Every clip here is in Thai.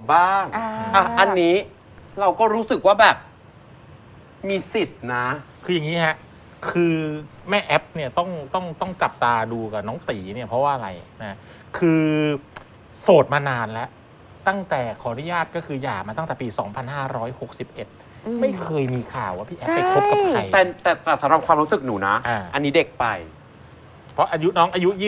บ้างอันนี้เราก็รู้สึกว่าแบบมีสิทธิ์นะคืออย่างนี้ฮะคือแม่แอปเนี่ยต้องจับตาดูกับน้องตีเนี่ยเพราะว่าอะไรนะคือโสดมานานแล้วตั้งแต่ขออนุญาตก็คือหย่ามาตั้งแต่ปี 2561 ไม่เคยมีข่าวว่าพี่แอปไปคบกับใครแต่สำหรับความรู้สึกหนูนะอันนี้เด็กไปเพราะน้องอายุ24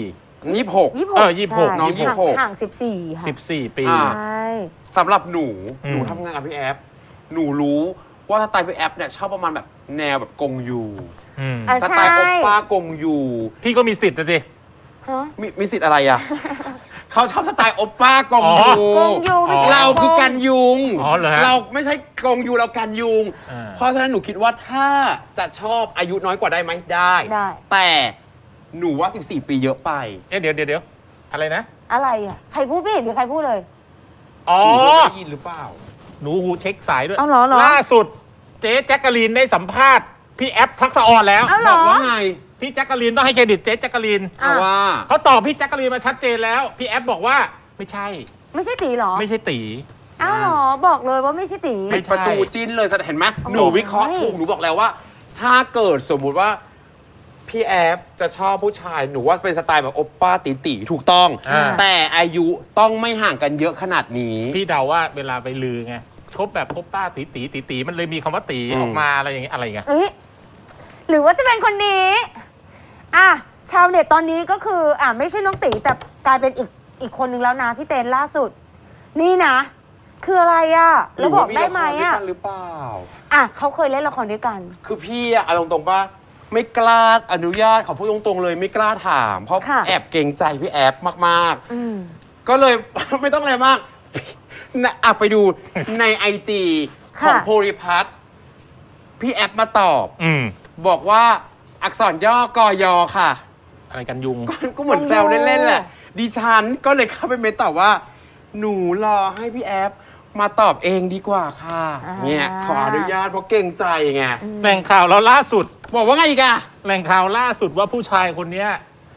26 26 น้อง26 ห่าง14ค่ะ 14 ปีใช่สำหรับหนูทำงานกับพี่แอปหนูรู้ว่าสไตล์พี่แอปเนี่ยชอบประมาณแบบแนวแบบกงยูสไตล์โอป้ากงยูพี่ก็มีสิทธิ์นะสิมีสิทธิ์อะไรอ่ะเขาชอบสไตล์โอป้ากงยูเราคือกันยุงเราไม่ใช่กงยูเรากันยุงเพราะฉะนั้นหนูคิดว่าถ้าจะชอบอายุน้อยกว่าได้ไหมได้แต่หนูว่า14 ปีเยอะไปเดี๋ยวอะไรนะอะไรอ่ะใครพูดไม่เห็นหรือใครพูดเลยอ๋อได้ยินหรือเปล่าหนูหูเช็คสายด้วยล่าสุดเจ๊แจ๊กกะลีนได้สัมภาษณ์พี่แอปทักษะออนแล้วบอกว่าไงพี่แจ๊กกะลีนต้องให้เครดิตเจ๊แจ๊กกะลีนว่าเขาตอบพี่แจ๊กกะลีนมาชัดเจนแล้วพี่แอปบอกว่าไม่ใช่ตีหรอไม่ใช่ตีอ้าวหรอบอกเลยว่าไม่ใช่ตีประตูจิ้นเลยเห็นไหมหนูวิเคราะห์ถูกหนูบอกแล้วว่าถ้าเกิดสมมุติว่าพี่แอฟจะชอบผู้ชายหนูว่าเป็นสไตล์แบบโอปป้าตีถูกต้องแต่อายุต้องไม่ห่างกันเยอะขนาดนี้พี่เดาว่าเวลาไปลือไงคบแบบโอปป้าตีมันเลยมีคำว่าตีออกมาอะไรอย่างเงี้ยอะไรเงี้ยหรือว่าจะเป็นคนนี้ชาวเน็ตตอนนี้ก็คือไม่ใช่น้องตีแต่กลายเป็นอีกคนนึงแล้วนะพี่เต้นล่าสุดนี่นะคืออะไรแล้วบอกได้ไหมหรือเปล่าเขาเคยเล่นละครด้วยกันคือพี่เอาตรงๆป่ะไม่กล้าอนุญาตขอพูดตรงๆเลยไม่กล้าถามเพราะแอบเกรงใจพี่แอฟมากๆก็เลย ไม่ต้องอะไรมากไปดูในIG ของโพลิพัทพี่แอฟมาตอบบอกว่าอักษรย่อกยค่ะอะไรกันยุงก็เหมือนแซวเล่นๆแหละดิฉันก็เลยเข้าไปเมนตอบว่าหนูรอให้พี่แอฟมาตอบเองดีกว่าค่ะเนี่ยขออนุญาตเพราะเกรงใจไงแหล่งข่าวเราล่าสุดบอกว่าไงอีกแหล่งข่าวล่าสุดว่าผู้ชายคนนี้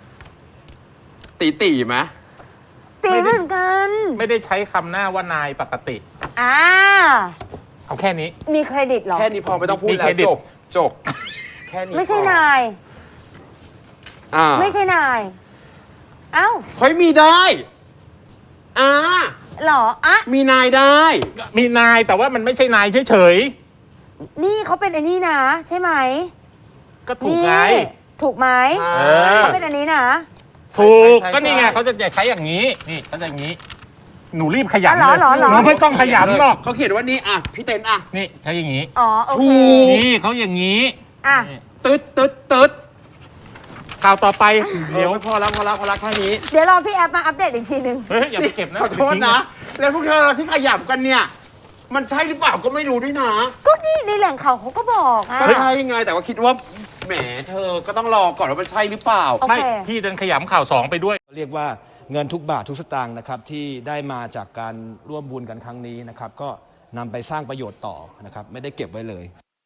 ตีไหมตีเหมือนกันไม่ได้ใช้คำหน้าว่านายปกติเอาแค่นี้มีเครดิตหรอแค่นี้พอไม่ต้องพูดแล้วจบแค่นี้ไม่ใช่นายไม่ใช่นายเฮ้ยมีได้หรอมีนายได้มีนายแต่ว่ามันไม่ใช่นายเฉยๆนี่เขาเป็นไอ้นี่นะใช่ไหมก็ถูกไงถูกไหมเขาเป็นอันนี้นะถูกก็นี่ไงเขาจะใช้อย่างนี้นี่เขาจะอย่างนี้หนูรีบขยันเลยหนูไม่ต้องขยันหรอกเขาเขียนว่านี่พี่เต้นนี่ใช้อย่างนี้โอเคนี่เขาอย่างนี้ตึ๊ดข่าวต่อไปเดี๋ยวพอแล้วแค่นี้เดี๋ยวรอพี่แอปมาอัปเดตอีกทีนึงอย่าไปเก็บนะขอโทษนะแล้วพวกเธอที่ขยับกันเนี่ยมันใช่หรือเปล่าก็ไม่รู้ด้วยนะก็นี่ในแหล่งข่าวเขาก็บอกก็ใช่ไงแต่ว่าคิดว่าแหมเธอก็ต้องรอก่อนว่ามันใช่หรือเปล่าไม่พี่เดินขยำข่าว2ไปด้วยเรียกว่าเงินทุกบาททุกสตางค์นะครับที่ได้มาจากการร่วมบุญกันครั้งนี้นะครับก็นำไปสร้างประโยชน์ต่อนะครับไม่ได้เก็บไว้เลย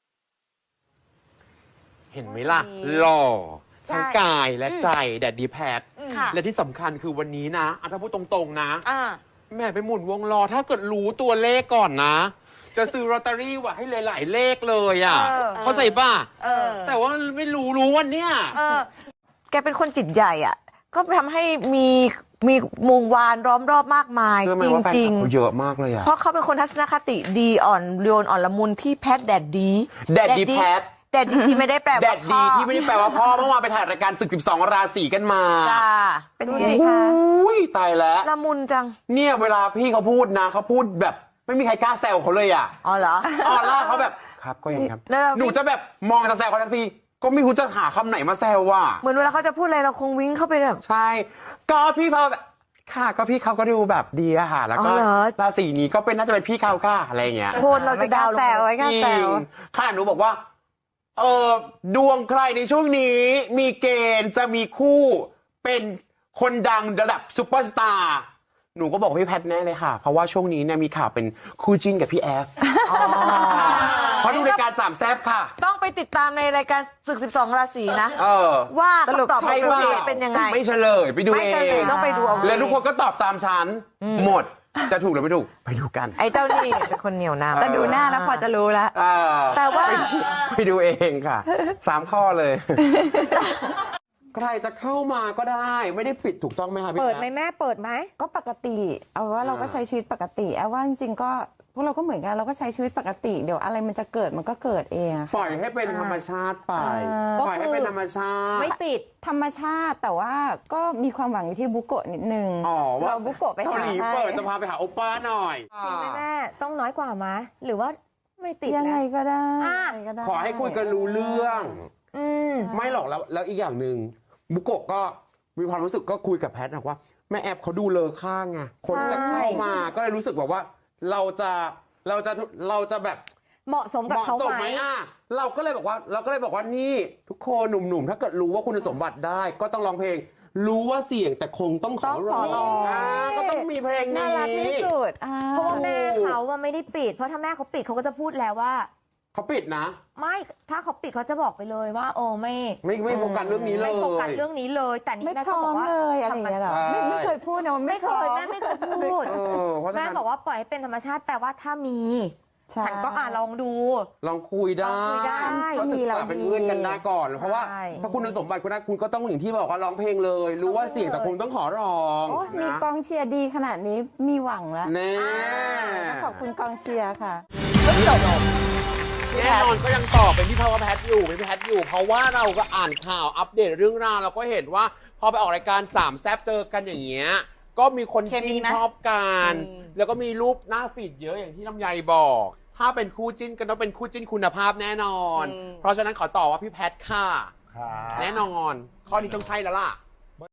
เห็นไหมล่ะหล่อทั้งกายและใจแดดดีแพทและที่สำคัญคือวันนี้นะถ้าพูดตรงๆนะแม่ไปหมุนวงล้อถ้าเกิดรู้ตัวเลขก่อนนะจะซื้อลอตเตอรี่ว่ะให้หลายๆเลขเลยเข้าใจป่ะแต่ว่าไม่รู้วันเนี้ยแกเป็นคนจิตใหญ่ก็ทำให้มีวงวานล้อมรอบมากมายจริงๆเยอะมากเลยเพราะเขาเป็นคนทัศนคติดีอ่อนโยนอ่อนละมุนพี่แพทแดดดีแพทแดดดีที่ไม่ได้แปลว่าพ่อแดดดีที่ไม่ได้แปลว่าพ่อเมื่อวานไปถ่ายรายการศึก12 ราศีกันมาเป็นไงคะตายแล้วละมุนจังเนี่ยเวลาพี่เขาพูดนะเขาพูดแบบไม่มีใครกล้าแซวเขาเลยอ๋อเหรอล่าเขาแบบครับก็อย่างครับหนูจะแบบมองจะแซวเขาทันทีก็ไม่รู้จะหาคำไหนมาแซวเหมือนเวลาเขาจะพูดอะไรเราคงวิ่งเข้าไปแบบใช่ก็พี่เขาแบบค่ะก็พี่เขาก็ดูแบบดีแล้วก็ราศีนี้ก็เป็นน่าจะเป็นพี่เขาค่ะอะไรเงี้ยโทษเราจะดาวแซวไว้ก็แซวขนาดหนูบอกว่าดวงใครในช่วงนี้มีเกณฑ์จะมีคู่เป็นคนดังระดับซุปเปอร์สตาร์หนูก็บอกพี่แพทแน่เลยค่ะเพราะว่าช่วงนี้เนี่ยมีข่าวเป็นคู่จิ้นกับพี่แอฟเพราะดูรายการสามแซ่บค่ะต้องไปติดตามในรายการศึก12 ราศีนะว่าคำตอบเป็นยังไงไม่เฉลยไปดูเองต้องไปดูเอาแล้วทุกคนก็ตอบตามฉันหมดจะถูกหรือไม่ถูกไปดูกันไอ้เจ้านี่เป็นคนเหนียวนำแต่ดูหน้าแล้วพอจะรู้แล้วแต่ว่าไปดูเองค่ะ3 ข้อเลย ใครจะเข้ามาก็ได้ไม่ได้ปิดถูกต้องไหมคะพี่เปิดไหมแอฟแม่เปิดไหมก็ปกติเอาว่าเราก็ใช้ชีวิตปกติเอาว่าจริงๆก็พวกเราก็เหมือนกันเราก็ใช้ชีวิตปกติเดี๋ยวอะไรมันจะเกิดมันก็เกิดเองอะค่ะปล่อยให้เป็นธรรมชาติไป ปล่อยให้เป็นธรรมชาติไม่ปิดธรรมชาติแต่ว่าก็มีความหวังอยู่ที่บุโกะนิดนึงอ๋อว่าเราบุโกะไปเกาหาหลีให้เปิดจะพาไปหาโอป้าหน่อยจริงไหมแม่ต้องน้อยกว่าไหมหรือว่าไม่ติดยังไงนะก็ได้อ่ะยังไงก็ได้ขอให้คุยกันรู้เรื่องอืมไม่หรอกแล้วอีกอย่างหนึ่งบุโกะก็มีความรู้สึกก็คุยกับแพทนะว่าแม่แอปเขาดูเลอค่างไงคนจะเข้ามาก็เลยรู้สึกแบบว่าเราจะแบบเหมาะสมกับเหมาะเขาสมไหไหมมอ่ะเราก็เลยบอกว่านี่ทุกคนหนุ่มๆ ถ้าเกิดรู้ว่าคุณสมบัติได้ ก็ต้องร้องเพลง รู้ว่าเสี่ยงแต่คงต้องขอร้องก็ต้องมีเพลงน่านี้รักที่สุดเพราะว่าแม่เขาว่าไม่ได้ปิด เพราะถ้าแม่เขาปิดเขาก็จะพูดแล้วว่าเขาปิดนะไม่ถ้าเขาปิดเขาจะบอกไปเลยว่า โอ้ไม่ไม่โฟกัสเรื่องนี้เลยไม่โฟกัสเรื่องนี้เลย แต่นี่ไม่แม่พก็ร้อบอมกว่าเลยอะไรอย่างเงี้ยหรอใช่ไม่เคยพูดนะว่าไม่ไม่เคพร้อมยแม่ไม่เคยพูดเพราะฉะแม่นั้นบอกว่าปล่อยให้เป็นธรรมชาติแปลว่าถ้ามีใช่ฉันก็ลองดูลองคุยได้ลองคุยได้ก็ศึกษาเป็นเพื่อนกันได้ก่อน เพราะว่าใช่ถ้าคุณสมบัติคุณได้คุณก็ต้องอย่างที่บอกว่าร้องเพลงเลย รู้ว่าเสี่ยงแต่คงต้องขอร้องโอ้มีนะกองเชียร์ดีขนาดนี้มีหวังแล้วแน่ต้องขอบคุณกองเชียร์ค่ะแน่นอนก็ยังตอบเป็นพี่พาวแพทอยู่เป็นพี่แพทอยู่ เพราะว่าเราก็อ่านข่าวอัปเดตเรื่องราวเราก็เห็นว่าพอไปออกรายการ3แซบเจอกันอย่างเงี้ยก็มีคนเคมีจิ้นไหมชอบกันแล้วก็มีรูปหน้าฟีดเยอะอย่างที่ลำไยบอก ถ้าเป็นคู่จิ้นก็ต้องเป็นคู่จิ้นคุณภาพแน่นอน เพราะฉะนั้นขอตอบว่าพี่แพทค่ะแน่นอน ข้อนี้ต้องใช่แล้วล่ะ